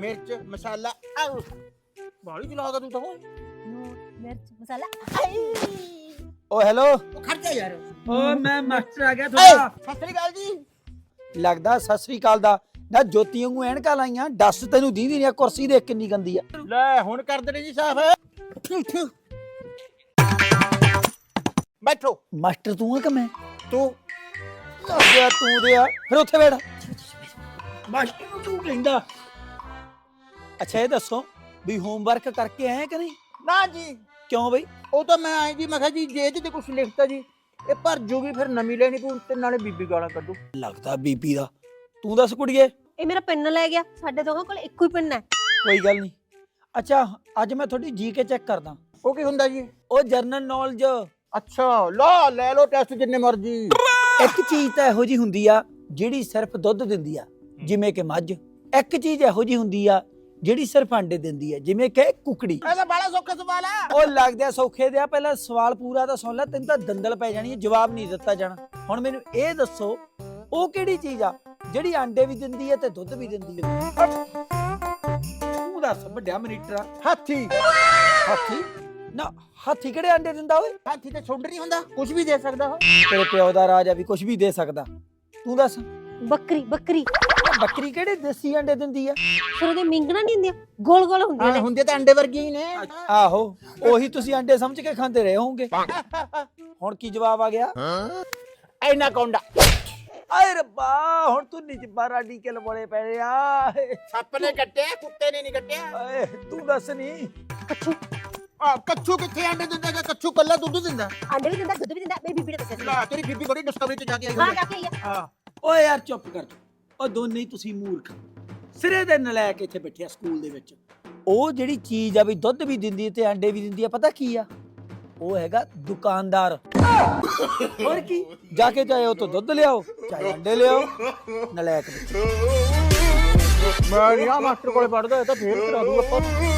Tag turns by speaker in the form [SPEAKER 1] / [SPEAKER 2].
[SPEAKER 1] मिर्च मसाला आउ बाली चलागा तू तो
[SPEAKER 2] ਨੂਨ ਮਿਰਚ ਮਸਾਲਾ
[SPEAKER 3] ਓ ਹੈਲੋ
[SPEAKER 1] वो खर्चा यार
[SPEAKER 3] ਓ ਮੈਂ ਮਾਸਟਰ ਆ ਗਿਆ
[SPEAKER 1] सत श्री अकाल जी
[SPEAKER 3] ਲੱਗਦਾ ਸਤਿ ਸ੍ਰੀ ਅਕਾਲ ਦਾ ਨਾ ਜੋਤੀ ਵਾਂਗੂ ਐਨਕਾਂ ਲਾਈਆਂ ਦੱਸ ਤੈਨੂੰ ਦੀਦੀ ਨਹੀਂ ਕੁਰਸੀ ਦੇਖ ਕਿੰਨੀ ਗੰਦੀ ਆ
[SPEAKER 1] ले हुन कर दे जी साफ बैठो
[SPEAKER 3] ਮਾਸਟਰ ਤੂੰ ਆ ਕਿ ਮੈਂ
[SPEAKER 1] तू
[SPEAKER 3] ਲੱਗਿਆ ਤੂੰ ਦੇ ਆ ਫਿਰ ਉੱਥੇ ਬੈਠ ਮਾਸਟਰ ਨੂੰ ਤੂੰ ਕਹਿੰਦਾ ਅੱਛਾ ਇਹ ਦੱਸੋ ਵੀ ਹੋਮਵਰਕ ਕਰਕੇ ਆਏ ਕਿ ਨਹੀਂ
[SPEAKER 1] ना जी
[SPEAKER 3] ਕਿਉਂ ਬਈ
[SPEAKER 1] ਉਹ ਤਾਂ ਮੈਂ ਆਏ ਜੀ ਮੈਂ ਕਿਹਾ ਜੀ ਜੇ ਤੇ ਕੁਝ ਲਿਖਤਾ ਜੀ ਇਹ ਭਰ ਜੂਗੀ ਫਿਰ ਨਵੀਂ ਲੈਣੀ ਪਊ ਤੇ ਨਾਲੇ ਬੀਬੀ ਗਾਲਾਂ ਕੱਢੂ
[SPEAKER 3] ਲੱਗਦਾ ਬੀਬੀ ਦਾ ਤੂੰ ਦੱਸ ਕੁੜੀਏ
[SPEAKER 2] ਇਹ ਮੇਰਾ ਪਿੰਨ ਲੈ ਗਿਆ ਸਾਡੇ ਦੋਹਾਂ ਕੋਲ ਇੱਕੋ ਹੀ ਪਿੰਨ ਹੈ
[SPEAKER 3] ਕੋਈ ਗੱਲ ਨਹੀਂ ਅੱਛਾ ਅੱਜ ਮੈਂ ਤੁਹਾਡੀ ਜੀਕੇ ਚੈੱਕ ਕਰਦਾ
[SPEAKER 1] ਉਹ ਕੀ ਹੁੰਦਾ ਜੀ
[SPEAKER 3] ਉਹ ਜਰਨਲ ਨੌਲੇਜ
[SPEAKER 1] ਅੱਛਾ ਲਾ ਲੈ ਲੋ ਟੈਸਟ ਜਿੰਨੇ ਮਰਜੀ
[SPEAKER 3] ਇੱਕ ਚੀਜ਼ ਤਾਂ ਇਹੋ ਜੀ ਹੁੰਦੀ ਆ ਜਿਹੜੀ ਸਿਰਫ ਦੁੱਧ ਦਿੰਦੀ ਆ ਜਿਵੇਂ ਕਿ ਮੱਝ ਇੱਕ ਚੀਜ਼ ਇਹੋ ਜੀ ਹੁੰਦੀ ਆ ਜਿਹੜੀ ਸਿਰਫ ਅੰਡੇ ਦਿੰਦੀ ਆ ਜਿਵੇਂ ਕਿ ਕੁਕੜੀ
[SPEAKER 1] ਇਹ ਤਾਂ ਬੜਾ ਸੌਖਾ ਸਵਾਲ ਆ
[SPEAKER 3] ਉਹ ਲੱਗਦਾ ਸੌਖੇ ਦੇ ਆ ਪਹਿਲਾਂ ਸਵਾਲ ਪੂਰਾ ਤਾਂ ਸੁਣ ਲੈ ਤੈਨੂੰ ਤਾਂ ਦੰਦਲ ਪੈ ਜਾਣੀ ਹੈ ਜਵਾਬ ਨਹੀਂ ਦਿੱਤਾ ਜਾਣਾ ਹੁਣ ਮੈਨੂੰ ਇਹ ਦੱਸੋ ਉਹ ਕਿਹੜੀ ਚੀਜ਼ ਆ ਜਿਹੜੀ ਅੰਡੇ ਵੀ ਦਿੰਦੀ ਹੈ ਤੇ ਦੁੱਧ ਵੀ ਦਿੰਦੀ ਹੈ ਤੂੰ ਦੱਸ ਵੱਡਿਆ ਮਨੀਟਰ
[SPEAKER 1] ਹਾਥੀ
[SPEAKER 3] ਹਾਥੀ ਨਾ ਹਾਥੀ ਕਿਹੜੇ ਅੰਡੇ ਦਿੰਦਾ ਓਏ
[SPEAKER 1] ਹਾਥੀ ਤੇ ਛੁੰਡ ਨਹੀਂ ਹੁੰਦਾ ਕੁਝ ਵੀ ਦੇ ਸਕਦਾ ਉਹ
[SPEAKER 3] ਤੇਰੇ ਪਿਓ ਦਾ ਰਾਜ ਆ ਵੀ ਕੁਝ ਵੀ ਦੇ ਸਕਦਾ ਤੂੰ ਦੱਸ
[SPEAKER 2] ਬੱਕਰੀ ਬੱਕਰੀ
[SPEAKER 3] ਬੱਕਰੀ ਕਿਹੜੇ ਦੇਸੀ ਅੰਡੇ ਦਿੰਦੀ ਆ
[SPEAKER 2] ਫਿਰ ਉਹਦੇ ਮਿੰਗਣਾ ਨਹੀਂ ਹੁੰਦੀਆਂ ਗੋਲ ਗੋਲ ਹੁੰਦੀਆਂ ਨੇ
[SPEAKER 1] ਹੁੰਦੇ ਤਾਂ ਅੰਡੇ ਵਰਗੇ ਹੀ ਨੇ
[SPEAKER 3] ਆਹੋ ਉਹੀ ਤੁਸੀਂ ਅੰਡੇ ਸਮਝ ਕੇ ਖਾਂਦੇ ਰਹੇ ਹੋਵੋਗੇ ਹੁਣ ਕੀ ਜਵਾਬ ਆ ਗਿਆ
[SPEAKER 1] ਐਨਾ ਕੌਂਡਾ
[SPEAKER 3] ਆਏ ਰੱਬਾ ਹੁਣ ਤੂੰ ਨਿਜਬਾ ਰਾਡੀ ਕੇ ਲਬੋਲੇ ਪੈ ਰਿਹਾ
[SPEAKER 1] ਸੱਪ ਨੇ ਕੱਟਿਆ ਕੁੱਤੇ ਨੇ ਨਹੀਂ ਕੱਟਿਆ
[SPEAKER 3] ਓਏ ਤੂੰ ਦੱਸ ਨਹੀਂ
[SPEAKER 1] ਆ ਕੱਛੂ ਕਿੱਥੇ ਅੰਡੇ ਦਿੰਦਾ ਹੈਗਾ ਕੱਛੂ ਕੱਲਾ ਦੁੱਧ ਦਿੰਦਾ
[SPEAKER 2] ਅੰਡੇ ਵੀ ਦਿੰਦਾ ਦੁੱਧ ਵੀ ਦਿੰਦਾ ਮੇਰੀ ਬੀਬੀ ਨੇ ਦੱਸਿਆ ਸੀ
[SPEAKER 1] ਲਾ ਤੇਰੀ ਬੀਬੀ ਬੜੀ ਡਿਸਕਵਰੀ ਤੇ ਜਾ ਕੇ ਆਈ
[SPEAKER 2] ਹਾਂ ਜਾ ਕੇ ਆਈ ਆ
[SPEAKER 1] ਹਾਂ
[SPEAKER 3] ਓਏ ਯਾਰ ਚੁੱਪ ਕਰ ਉਹ ਦੋਨੇ ਹੀ ਤੁਸੀਂ ਮੂਰਖ ਸਿਰੇ ਦੇ ਨਲਾਇਕ ਇੱਥੇ ਬੈਠਿਆ ਸਕੂਲ ਦੇ ਵਿੱਚ ਉਹ ਜਿਹੜੀ ਚੀਜ਼ ਆ ਵੀ ਦੁੱਧ ਵੀ ਦਿੰਦੀ ਤੇ ਅੰਡੇ ਵੀ ਦਿੰਦੀ ਆ ਪਤਾ ਕੀ ਆ ਉਹ ਹੈਗਾ ਦੁਕਾਨਦਾਰ ਹੋਰ ਕੀ ਜਾ ਕੇ ਚਾਹੇ ਉਹ ਤੋਂ ਦੁੱਧ ਲਿਆਓ ਚਾਹੇ ਅੰਡੇ ਲਿਆਓ ਨਲਾਇਕ ਬੱਚੇ
[SPEAKER 1] ਮੈਂ ਨਹੀਂ ਆ ਮਾਸਟਰ ਕੋਲੇ ਪੜਦਾ ਇਹ ਤਾਂ ਫੇਰ ਕਰਾ ਦੂ ਆਪਾਂ